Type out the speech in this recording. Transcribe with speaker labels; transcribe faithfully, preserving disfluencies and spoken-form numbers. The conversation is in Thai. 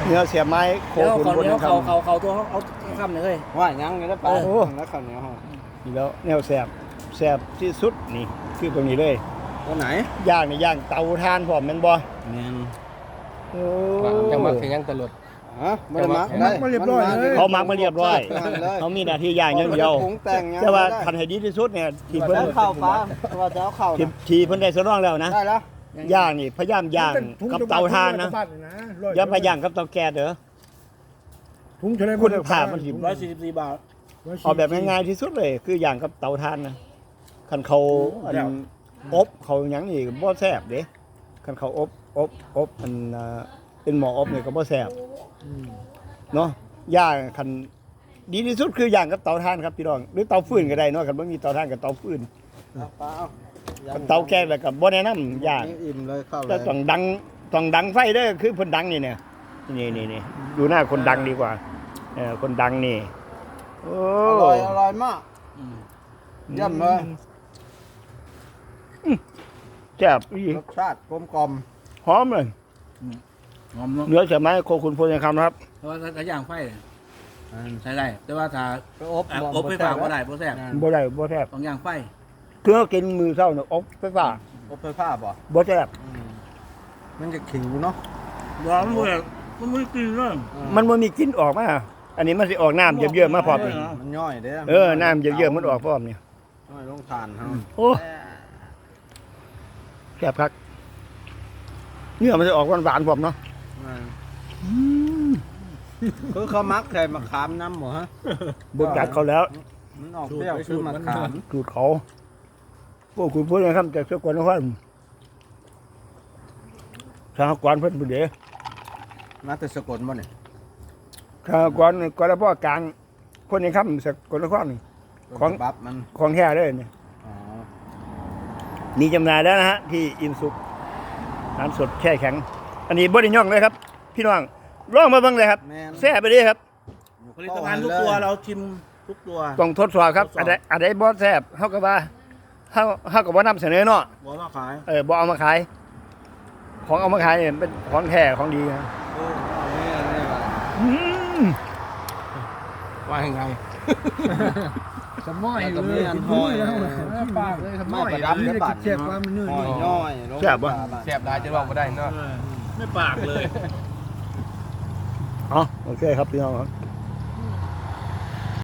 Speaker 1: เนื้อเสียบไม้โค
Speaker 2: เดี๋ยว
Speaker 1: ขุน
Speaker 2: เขา
Speaker 1: บน
Speaker 2: เนี้ย
Speaker 1: ค
Speaker 2: เขาเขาเขาตัวเอาคำหนึ่งเลย
Speaker 3: ว่ายังไงแล้วปลา
Speaker 2: เออ
Speaker 3: แล้วข้าวเหนียวห่อ
Speaker 1: ำนี่แล้วแนวแสบแสบที่สุดนี่คือตรงนี้เลย
Speaker 3: ตัวไหน
Speaker 1: ย่างนี่ย่างเตาถ่านพร้อมแม่นบ่
Speaker 3: เนียน
Speaker 1: โอ้
Speaker 4: จังหวัดขยันตลอด
Speaker 3: ฮะไม่ได้มัก
Speaker 4: จังห
Speaker 3: ได้
Speaker 4: วะ
Speaker 5: มาเรียบร้อยเลย
Speaker 1: เขามักมาเรียบร้อย
Speaker 3: เลย
Speaker 1: เขามีหน้าที่ย่างอย่างเดียว
Speaker 3: ปรุงแต่งยัง
Speaker 1: แต่ว่า
Speaker 3: ได้
Speaker 1: คันให้ดีที่สุดเนี่ยที่เพิ่น
Speaker 3: แล้วข้าวปลาว่าจะเอาข้าว
Speaker 1: ที่ที่เพิ่นได้สรองแล้วนะ
Speaker 3: ได้แล้ว
Speaker 1: ย่างนี่พยายามย่างกับเตาถ่านนะอย่าไปย่างกับเตาแก๊สเด้อ
Speaker 5: ถุงเฉลย
Speaker 1: คุณภาพมันสิ
Speaker 2: ร้อยสี่สิบสี่บาท
Speaker 1: เอาแบบง่ายๆที่สุดเลย คืออย่างกับเตาถ่านนะคันเขาอันอบเขาหยังนี่บ่แซ่บเด้คันเขาอบอบอบอันอ่าเป็นหม้ออบนี่ก็บ่แซ่บเนาะย่างคันดีที่สุดคืออย่างกับเตาถ่านครับพี่น้องหรือเตาฟืนก็ได้เนาะคันบ่มีเตาถ่านกับเตาฟืน
Speaker 3: เอาปลาเอา
Speaker 1: คันเตาแก๊สแล้วก็บ่แนะนำย่าง
Speaker 3: อิ่มเลยข้าวเล
Speaker 1: แต่
Speaker 3: ย
Speaker 1: ต้องดังต้องดังไฟเด้อคือเพิ่นดังนี่เนี่ยนี่นี่นี่ดูหน้าคนดังดีกว่าเออคนดังนี่โอ้
Speaker 3: อร่อยอร่อยมากเยี่ยมเลย
Speaker 1: แซ่บอี
Speaker 3: รสชาติกลมกล่อม
Speaker 1: หอมเลย
Speaker 2: หอมเนาะ
Speaker 1: เนื้อเสียไม้โคขุนพลยังคำนะครับ
Speaker 2: แต่ว่าถ้าย่างไฟใช้ได้แต่ว่าถ้า
Speaker 3: ไปอบ
Speaker 2: อ่ะอบไฟฟ้าก็ได้บ่แซ่บ
Speaker 1: บ่ได้บ่แซ่บ
Speaker 2: ต้องย่างไฟ
Speaker 1: เครื่องกินมือเศร้าเนี่ยอบไฟฟ้า
Speaker 3: อบไฟฟ้าป่ะ
Speaker 1: บ่แซ่บ
Speaker 3: มันจะขิวเนาะ
Speaker 2: ร้อนเลยมันไม่กินเลย
Speaker 1: มันบ่มีกลิ่นออกมาอันนี้มันสิออกน้ำเยอะๆมาพร้อมนี่
Speaker 3: มันย่อยเด้
Speaker 1: เออน้ำเยอะๆมันออกพร้อมนี่
Speaker 3: ย่อยลงทานเฮา
Speaker 1: โอ้แซ่บคักเนื้อมันจะออกหวานๆพร้อมเนาะ
Speaker 3: คือเขามักใส่มะขามน้ำหมดฮะ
Speaker 1: บ่จัดเขาแล้ว
Speaker 3: มันออกเปรี้ยวคือมะขาม
Speaker 1: สูตรเขาพวกคุณพูดนะครับจากสกลนครสหกรณ์เพิ่นผู้เดียว
Speaker 3: มาแต่สกลบ่เนี่ย
Speaker 1: สหกรณ์กรพ่อกลางคนนี้ครับสกลนครนี่ ของ
Speaker 3: บับมัน
Speaker 1: ของแท้เลยเนี่ย
Speaker 3: อ๋อ
Speaker 1: มีจำหน่ายแล้วนะฮะที่อิมสุกน้ำสดแช่แข็ง อันนี้บ่ได้ย่องเลยครับ พี่น้องลองมาเบิ่งเลยครับ
Speaker 3: แม่น
Speaker 1: แซ่บไปเลยครับ
Speaker 2: ผลิตภัณฑ์ทุกตัวเราชิมทุกตัว
Speaker 1: ต้องทดสอบครับ
Speaker 2: ทดสอบ
Speaker 1: อันใดอันใดบ่แซ่บเฮาก็ว่าเฮาเฮาก็บ่นำเสนอเนาะ
Speaker 2: บอกว่าขาย
Speaker 1: เออบ่เอามาขาย ของเอามาขายเนี่ยเป็นของแท้ของดีนะ
Speaker 3: โอ้นี่นี่ว่ะ
Speaker 1: อืม
Speaker 4: ว่ายังไง
Speaker 5: สมอย
Speaker 3: แล้ว
Speaker 5: เล
Speaker 3: ก็มี
Speaker 5: ย
Speaker 3: อัน
Speaker 5: กิน
Speaker 3: หอย
Speaker 5: แล้วปากเลยสมอย
Speaker 3: ไม่ประดับด้วยบัตร
Speaker 5: เจ็บว่ามันนื่น
Speaker 3: หอยย่อยลง
Speaker 1: แซ่บบ่
Speaker 4: แซ่บได้จะบอกไม่ได้เนาะ
Speaker 2: ไม่ปากเลย
Speaker 1: อ๋อโอเคครับพี่น้องครับ